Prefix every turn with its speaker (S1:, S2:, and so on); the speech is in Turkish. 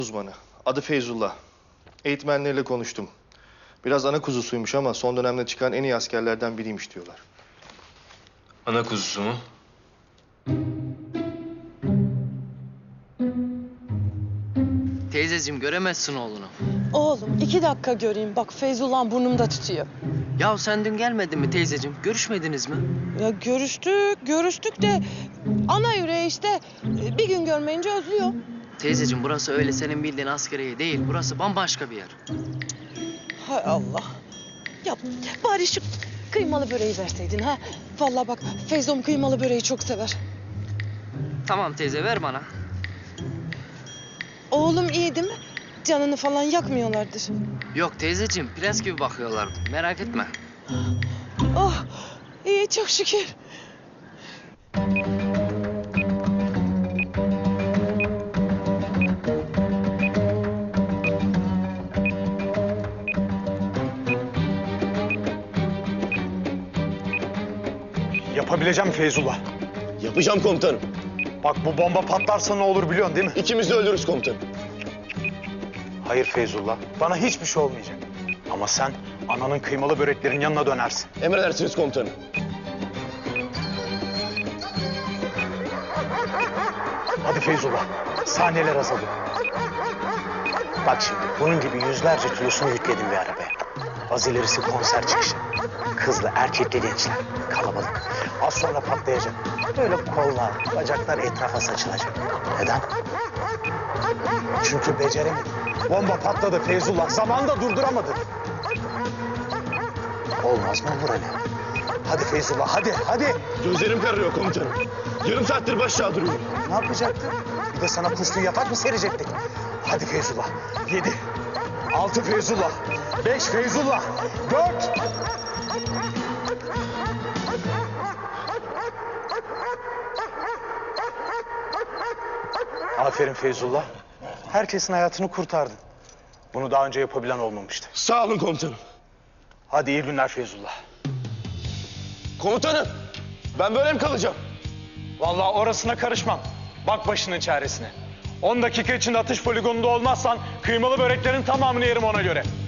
S1: Uzmanı. Adı Feyzullah. Eğitmenleriyle konuştum. Biraz ana kuzusuymuş ama son dönemde çıkan en iyi askerlerden biriymiş diyorlar.
S2: Ana kuzusu mu?
S3: Teyzeciğim göremezsin oğlunu.
S4: Oğlum 2 dakika göreyim. Bak Feyzullah burnumda tutuyor.
S3: Ya sen dün gelmedin mi teyzeciğim? Görüşmediniz mi?
S4: Ya görüştük de ana yüreği işte bir gün görmeyince özlüyor.
S3: Teyzeciğim burası öyle senin bildiğin askeriye değil. Burası bambaşka bir yer.
S4: Hay Allah. Ya bari şu kıymalı böreği verseydin ha. Vallahi bak Feyzom kıymalı böreği çok sever.
S3: Tamam teyze ver bana.
S4: Oğlum iyi değil mi? Canını falan yakmıyorlardır.
S3: Yok teyzeciğim prens gibi bakıyorlar. Merak etme.
S4: Oh iyi çok şükür.
S5: Yapabileceğim Feyzullah.
S1: Yapacağım komutanım.
S5: Bak bu bomba patlarsa ne olur biliyorsun değil mi?
S1: İkimiz de ölürüz komutanım.
S5: Hayır Feyzullah. Bana hiçbir şey olmayacak. Ama sen ananın kıymalı böreklerin yanına dönersin.
S1: Emredersiniz komutanım.
S5: Hadi Feyzullah. Saniyeler azalıyor. Bak şimdi bunun gibi yüzlerce kilosunu yükledim bir arabaya. Az ilerisi konser çıkışı. Kızlı, erkekli gençler. Kalabalık. Az sonra patlayacak. Böyle kollar, bacaklar etrafa saçılacak. Neden? Çünkü beceremedim. Bomba patladı Feyzullah. Zamanında durduramadı. Olmaz mı Burali? Hadi Feyzullah, hadi.
S1: Gözlerim kararıyor komutanım. Yarım saattir başlağı duruyorum.
S5: Ne yapacaktın? Bir de sana kuşlu yatak mı serecektik? Hadi Feyzullah. 7, 6 Feyzullah, 5 Feyzullah, 4. Aferin Feyzullah. Herkesin hayatını kurtardın. Bunu daha önce yapabilen olmamıştı.
S1: Sağ olun komutanım.
S5: Hadi iyi günler Feyzullah.
S1: Komutanım, ben böyle mi kalacağım?
S5: Vallahi orasına karışmam. Bak başının çaresine. 10 dakika içinde atış poligonunda olmazsan kıymalı böreklerin tamamını yerim ona göre.